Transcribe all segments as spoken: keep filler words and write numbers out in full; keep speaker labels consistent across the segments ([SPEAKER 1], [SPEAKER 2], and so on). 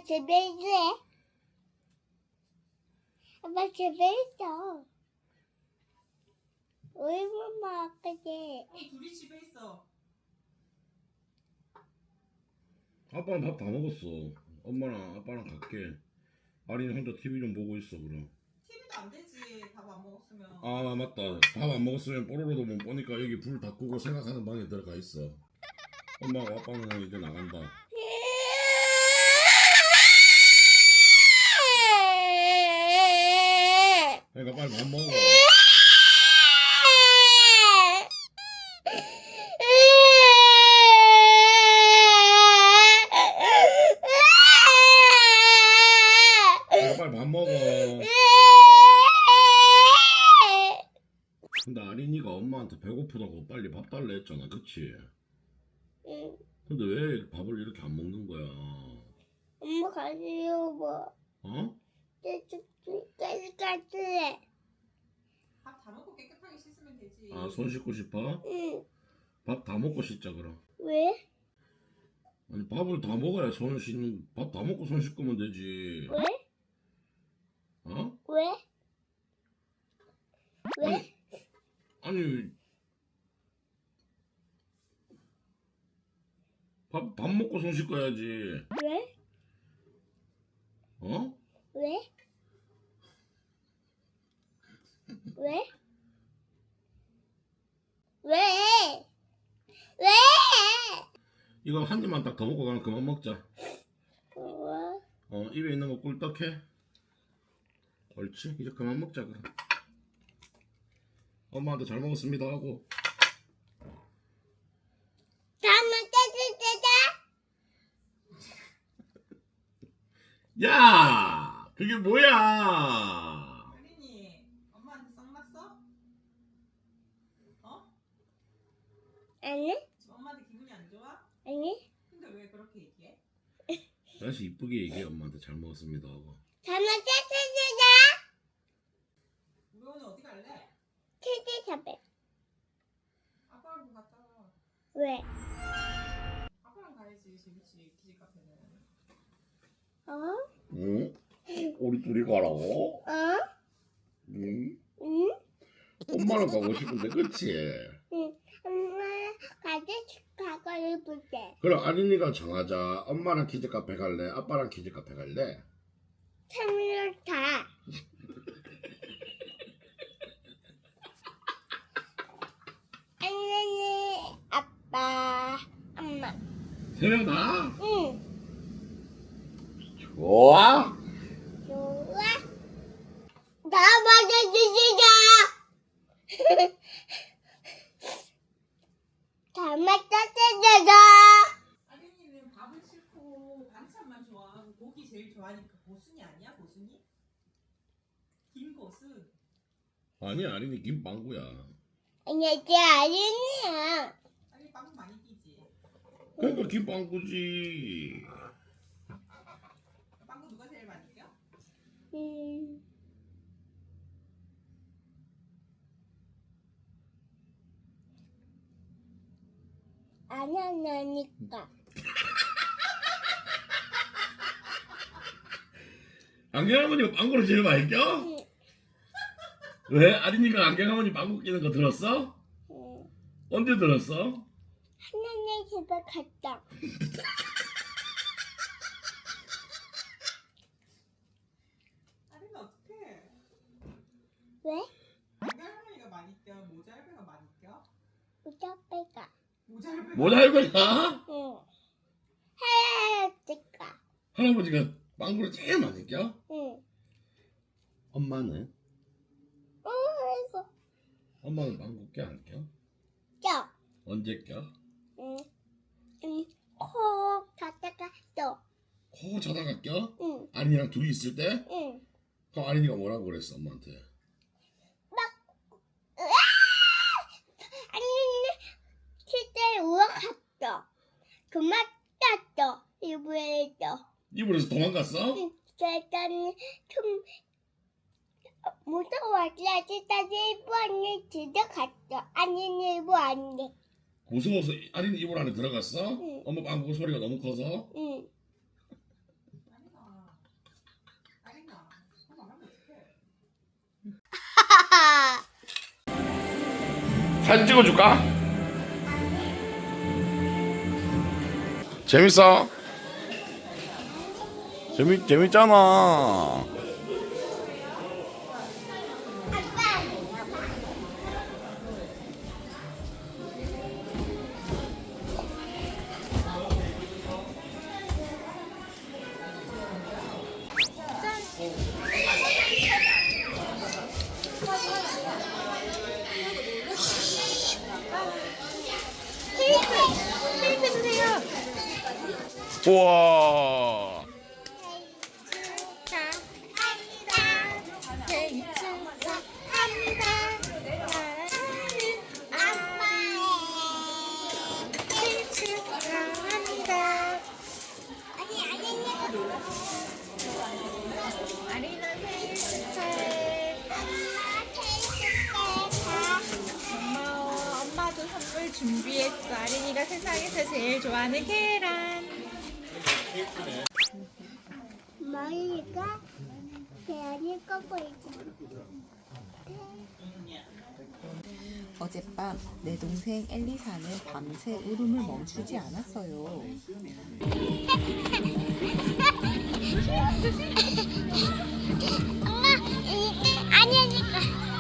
[SPEAKER 1] 집에 있어. 아빠 집에 있어. 우리 엄마 아까지.
[SPEAKER 2] 어, 둘이 집에 있어.
[SPEAKER 3] 아빠는 밥 다 먹었어. 엄마랑 아빠랑 갈게. 아린이 혼자 티비 좀 보고 있어 그럼.
[SPEAKER 2] 티비도 안 되지. 밥 안 먹었으면.
[SPEAKER 3] 아 맞다. 밥 안 먹었으면 뽀로로도 못 보니까 여기 불 다 끄고 생각하는 방에 들어가 있어. 엄마하고 아빠는 이제 나간다. 그러니까 빨리 밥 먹어. 그러니까 빨리 밥 먹어. 근데 아린이가 엄마한테 배고프다고 빨리 밥 달래 했잖아, 그치?
[SPEAKER 1] 응.
[SPEAKER 3] 근데 왜 밥을 이렇게 안 먹는 거야?
[SPEAKER 1] 엄마 가지요 뭐.
[SPEAKER 3] 어?
[SPEAKER 1] 깨끗하지.
[SPEAKER 2] 밥 다 먹고 깨끗하게 씻으면 되지.
[SPEAKER 3] 아, 손 씻고 싶어?
[SPEAKER 1] 응.
[SPEAKER 3] 밥 다 먹고 씻자 그럼.
[SPEAKER 1] 왜?
[SPEAKER 3] 아니 밥을 다 먹어야 손 씻는. 밥 다 먹고 손 씻으면 되지.
[SPEAKER 1] 왜?
[SPEAKER 3] 어?
[SPEAKER 1] 왜? 왜?
[SPEAKER 3] 아니 밥, 밥 먹고 손 씻어야지.
[SPEAKER 1] 왜?
[SPEAKER 3] 어?
[SPEAKER 1] 왜? 왜? 왜? 왜?
[SPEAKER 3] 이거 한 입만 딱 더 먹고 가면 그만 먹자.
[SPEAKER 1] 어?
[SPEAKER 3] 어, 입에 있는 거 꿀떡해. 옳지? 이제 그만 먹자 그럼. 엄마한테 잘 먹었습니다 하고.
[SPEAKER 1] 잘못했을
[SPEAKER 3] 야! 그게 뭐야?
[SPEAKER 2] 아린이, 엄마한테 썩났어? 어?
[SPEAKER 1] 아니?
[SPEAKER 2] 지금 엄마한테 기분이 안 좋아?
[SPEAKER 1] 아니?
[SPEAKER 2] 근데 왜 그렇게 얘기해?
[SPEAKER 3] 다시 이쁘게 얘기해. 엄마한테 잘 먹었습니다 하고.
[SPEAKER 1] 잘못했을
[SPEAKER 2] 우리 오늘 어디 갈래?
[SPEAKER 1] 치즈 잡배.
[SPEAKER 2] 아빠랑 갔다 와.
[SPEAKER 1] 왜?
[SPEAKER 2] 아빠랑 가야지. 재밌지. 키즈 카페는.
[SPEAKER 1] 어?
[SPEAKER 3] 응? 우리 둘이 가라고?
[SPEAKER 1] 어?
[SPEAKER 3] 응?
[SPEAKER 1] 응?
[SPEAKER 3] 엄마랑 가고 싶은데 그치?
[SPEAKER 1] 응. 엄마 같이 가고 싶을게.
[SPEAKER 3] 그럼 아린이가 정하자. 엄마랑 키즈 카페 갈래? 아빠랑 키즈 카페 갈래?
[SPEAKER 1] 참을 다. 언니, 아빠, 엄마.
[SPEAKER 3] 세 명 다?
[SPEAKER 1] 응.
[SPEAKER 3] 좋아?
[SPEAKER 1] 좋아. 다 맞아주시자. 다 맞아주시자.
[SPEAKER 2] 아린이는 밥은 싫고 반찬만 좋아하고 고기 제일 좋아하니까 고순이 아니야? 고순이? 김고순.
[SPEAKER 3] 아니 아린이 김빵구야.
[SPEAKER 1] 아니, 제 아린이야.
[SPEAKER 2] 아니 빵 많이 끼지.
[SPEAKER 3] 그러니까 김빵구지.
[SPEAKER 2] 빵구 누가 제일 많이 껴?
[SPEAKER 1] 음. 안 하니까.
[SPEAKER 3] 안경 할머니가 빵구를 제일 많이 껴?
[SPEAKER 1] 응.
[SPEAKER 3] 왜? 아린이가 안경 할머니 빵구 끼는 거 들었어?
[SPEAKER 1] 응.
[SPEAKER 3] 언제 들었어?
[SPEAKER 1] 하나님 집에 갔다.
[SPEAKER 2] 아린이 어떡해?
[SPEAKER 1] 왜?
[SPEAKER 2] 안경 할머니가 많이 껴? 모자알배가 많이 껴?
[SPEAKER 1] 우자배가.
[SPEAKER 2] 모자알배.
[SPEAKER 3] 모자알배가?
[SPEAKER 1] 응. 할아버지가.
[SPEAKER 3] 할아버지가 빵구를 제일 많이 껴?
[SPEAKER 1] 응.
[SPEAKER 3] 엄마는?
[SPEAKER 1] 어, 이거.
[SPEAKER 3] 엄마는 빵구 껴 안 껴?
[SPEAKER 1] 껴.
[SPEAKER 3] 언제 껴?
[SPEAKER 1] 응. 응. 코 자다가 또.
[SPEAKER 3] 코 자다가 껴?
[SPEAKER 1] 응.
[SPEAKER 3] 아린이랑 둘이 있을 때?
[SPEAKER 1] 응.
[SPEAKER 3] 그럼 아린이가 뭐라고 그랬어 엄마한테?
[SPEAKER 1] 아니, 실제 우악했어. 그만 땄어. 이불에서.
[SPEAKER 3] 이불에서 도망갔어?
[SPEAKER 1] 응. 일단 좀 무서워서 일단 일부 안에 들어갔어. 아니, 일부 안에.
[SPEAKER 3] 무서워서 아린이 이불 안에 들어갔어?
[SPEAKER 1] 응.
[SPEAKER 3] 엄마 빵구 소리가 너무 커서?
[SPEAKER 1] 응.
[SPEAKER 2] 아린아
[SPEAKER 3] 사진 찍어줄까? 재밌어? 재밌 재밌잖아.
[SPEAKER 1] 케이크 주세요.
[SPEAKER 3] 우와.
[SPEAKER 1] 축하합니다. 생일 축하합니다. 사랑하는 아빠의 생일 축하합니다. 아니 아니 아리나 생일 축하해. 엄마 생일 축하해.
[SPEAKER 4] 고마워. 엄마도 선물 준비했어. 아린이가 세상에서 제일 좋아하는 계란.
[SPEAKER 1] 머리가 계란이 꺾고 있잖아.
[SPEAKER 4] 어젯밤 내 동생 엘리사는 밤새 울음을 멈추지 않았어요.
[SPEAKER 1] 엄마, 아니니까.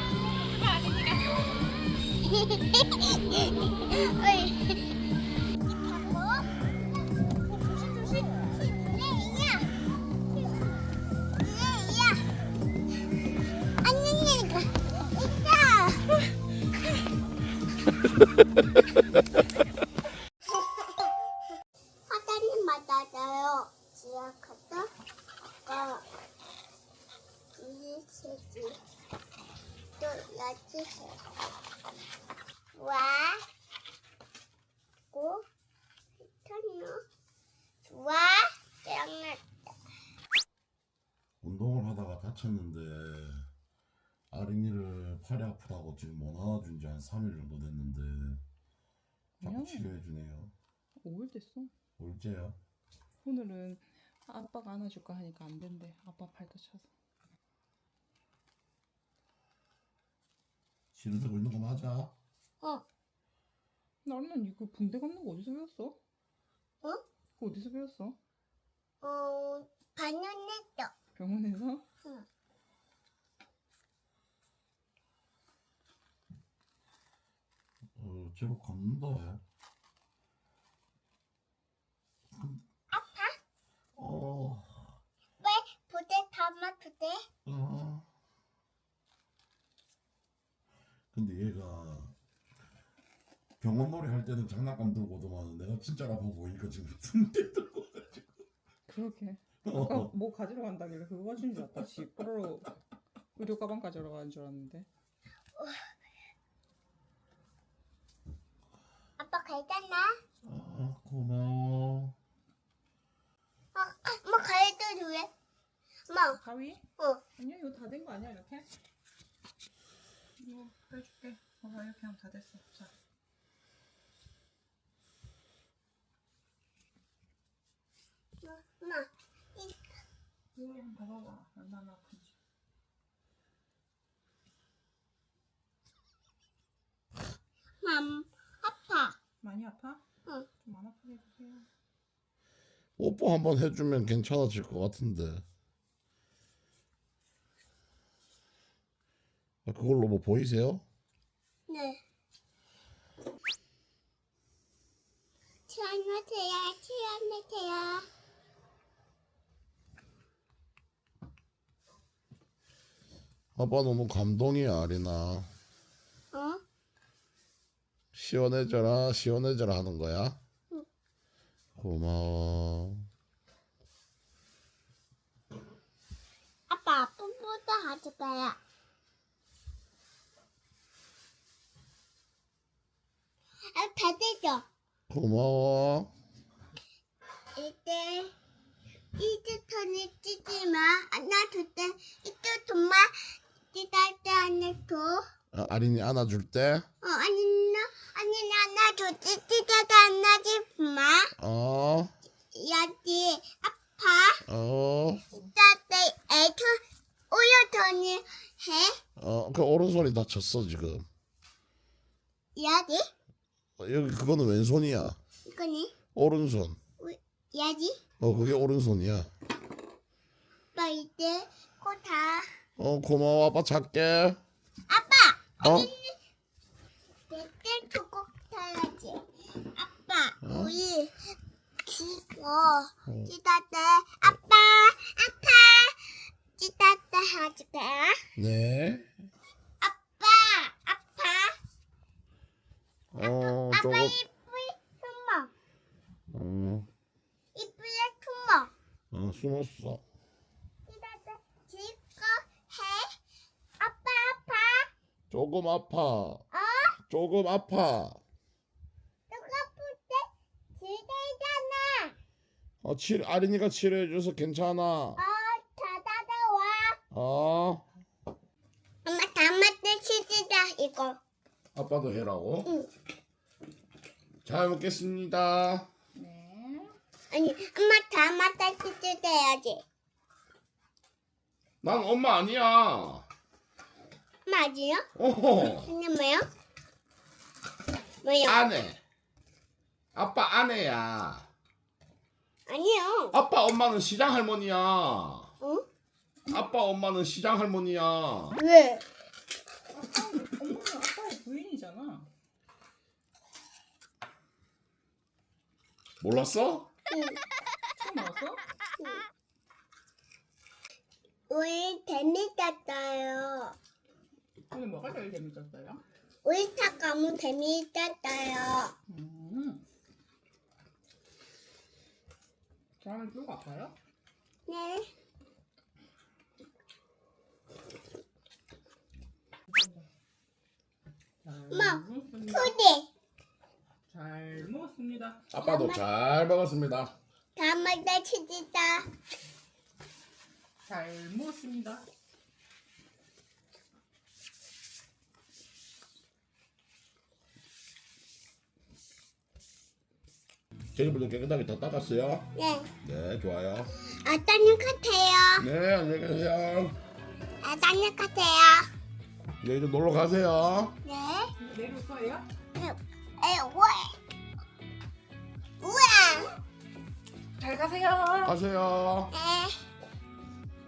[SPEAKER 1] 사장님 맞아요. 지역하다 아까 이세지 또 여지세 와 고 터너 와 짱났다.
[SPEAKER 3] 운동을 하다가 다쳤는데 아린이를 팔이 아프다고 지금 못 안아준 지 한 삼 일 정도 됐는데 자꾸
[SPEAKER 4] 음.
[SPEAKER 3] 치료해주네요.
[SPEAKER 4] 오 일 됐어.
[SPEAKER 3] 올째야?
[SPEAKER 4] 오늘은 아빠가 안아줄까 하니까 안 된대. 아빠 팔 다쳐서.
[SPEAKER 3] 치료 되고 있는 거 맞아?
[SPEAKER 1] 어,
[SPEAKER 4] 나는 이거 붕대 감는 거 어디서 배웠어?
[SPEAKER 1] 어?
[SPEAKER 4] 그거 어디서 배웠어?
[SPEAKER 1] 어, 반년했어.
[SPEAKER 4] 병원에서?
[SPEAKER 1] 응.
[SPEAKER 3] 어, 제법 감는다.
[SPEAKER 1] 아파?
[SPEAKER 3] 어,
[SPEAKER 1] 왜 부대 담아 부대?
[SPEAKER 3] 어. 근데 얘가 병원 놀이 할 때는 장난감 들고 오더만 내가 진짜 아파 보이니까 지금 붕대 들고 가지고.
[SPEAKER 4] 그렇게.
[SPEAKER 3] 어.
[SPEAKER 4] 아까 뭐 가지러 간다길래 그거 가진 줄 알았다. 지 뽀로로 의료 가방 가지러 가는 줄 알았는데.
[SPEAKER 1] 아빠 갈잖아.
[SPEAKER 3] 아, 고마워.
[SPEAKER 1] 어, 엄마 갈도 돼? 엄마,
[SPEAKER 4] 가위?
[SPEAKER 1] 어,
[SPEAKER 4] 아니야 이거 다 된 거 아니야 이렇게? 이거 빼줄게. 어 이렇게 하면 다 됐어. 자.
[SPEAKER 1] 엄마, 이
[SPEAKER 4] 이거 한번 봐봐봐. 얼마나 아픈지.
[SPEAKER 1] 맘 아파.
[SPEAKER 4] 많이 아파?
[SPEAKER 1] 응.
[SPEAKER 4] 좀 안 아프게 해주세요.
[SPEAKER 3] 뽀뽀 한번 해주면 괜찮아질 것 같은데. 아, 그걸로 뭐 보이세요?
[SPEAKER 1] 네. 치안하세요, 치안하세요.
[SPEAKER 3] 아빠 너무 감동이야, 아리나.
[SPEAKER 1] 어?
[SPEAKER 3] 시원해져라, 시원해져라 하는 거야?
[SPEAKER 1] 응.
[SPEAKER 3] 고마워.
[SPEAKER 1] 아빠 아픔부터 하지 마요. 아, 다 되죠?
[SPEAKER 3] 고마워.
[SPEAKER 1] 이제 이제 턴을 찌지 마. 안아줄 때 이쪽 돈만 찌달 때 안아줘.
[SPEAKER 3] 아, 아린이 안아줄 때?
[SPEAKER 1] 어, 아니 나 아니 나 안아줘. 찌찌달 때 안아지 마.
[SPEAKER 3] 어,
[SPEAKER 1] 여기 아파.
[SPEAKER 3] 어,
[SPEAKER 1] 찌달 때 애터 오려 턴이
[SPEAKER 3] 어, 그 오른손이 다쳤어 지금.
[SPEAKER 1] 야지?
[SPEAKER 3] 어, 여기 그거는 왼손이야.
[SPEAKER 1] 이거니?
[SPEAKER 3] 오른손.
[SPEAKER 1] 야지?
[SPEAKER 3] 어, 그게 오른손이야.
[SPEAKER 1] 아빠 이제 코다.
[SPEAKER 3] 어, 고마워. 아빠 잘게.
[SPEAKER 1] 아빠!
[SPEAKER 3] 어?
[SPEAKER 1] 내때 두고 타야지. 아빠,
[SPEAKER 3] 어?
[SPEAKER 1] 우리 기거 찌다때 아빠, 아빠, 찌다때 해줄게.
[SPEAKER 3] 네.
[SPEAKER 1] 아빠, 아빠,
[SPEAKER 3] 어,
[SPEAKER 1] 아빠
[SPEAKER 3] 조금.
[SPEAKER 1] 이쁘게 숨어.
[SPEAKER 3] 어,
[SPEAKER 1] 이쁘게 숨어.
[SPEAKER 3] 어, 숨었어.
[SPEAKER 1] 찌다때 지거 해. 아빠, 아빠.
[SPEAKER 3] 조금 아파.
[SPEAKER 1] 어?
[SPEAKER 3] 조금 아파.
[SPEAKER 1] 누가 볼때 지대잖아.
[SPEAKER 3] 어, 칠 아린이가 치료해줘서 괜찮아.
[SPEAKER 1] 어, 자다다 와.
[SPEAKER 3] 어.
[SPEAKER 1] 엄마 담았대 치즈다 이거.
[SPEAKER 3] 아빠도 해라고.
[SPEAKER 1] 응.
[SPEAKER 3] 잘 먹겠습니다.
[SPEAKER 4] 네.
[SPEAKER 1] 아니 엄마 담았대 치즈다 해야지.
[SPEAKER 3] 난 엄마 아니야.
[SPEAKER 1] 맞아요?
[SPEAKER 3] 어.
[SPEAKER 1] 근데 뭐요? 뭐요?
[SPEAKER 3] 아내. 아빠 아내야.
[SPEAKER 1] 아니요.
[SPEAKER 3] 아빠 엄마는 시장 할머니야.
[SPEAKER 1] 어?
[SPEAKER 3] 아빠 엄마는 시장 할머니야.
[SPEAKER 1] 왜?
[SPEAKER 4] 엄마는 아빠의 부인이잖아.
[SPEAKER 3] 몰랐어?
[SPEAKER 1] 응.
[SPEAKER 4] 처음 알았어?
[SPEAKER 1] 우리 재밌었어요.
[SPEAKER 4] 오늘 뭐가 제일 재밌었어요?
[SPEAKER 1] 우리 차 너무 재밌었어요.
[SPEAKER 4] 음. 다음에 또 갈까요?
[SPEAKER 1] 네. 엄마,
[SPEAKER 4] 먹었습니다.
[SPEAKER 1] 푸디.
[SPEAKER 4] 잘 먹었습니다.
[SPEAKER 3] 아빠도 잘 먹었습니다.
[SPEAKER 1] 담았대 치즈다.
[SPEAKER 4] 잘 먹었습니다.
[SPEAKER 3] 제주분들 깨끗하게 다 닦았어요?
[SPEAKER 1] 네.
[SPEAKER 3] 네, 좋아요.
[SPEAKER 1] 어떤 것 같아요?
[SPEAKER 3] 네, 안녕히 계세요.
[SPEAKER 1] 어떤 것 같아요?
[SPEAKER 3] 네, 이제 놀러 가세요.
[SPEAKER 1] 네.
[SPEAKER 4] 내려올 거예요?
[SPEAKER 1] 에, 우와. 우와.
[SPEAKER 4] 잘 가세요.
[SPEAKER 3] 가세요.
[SPEAKER 1] 네.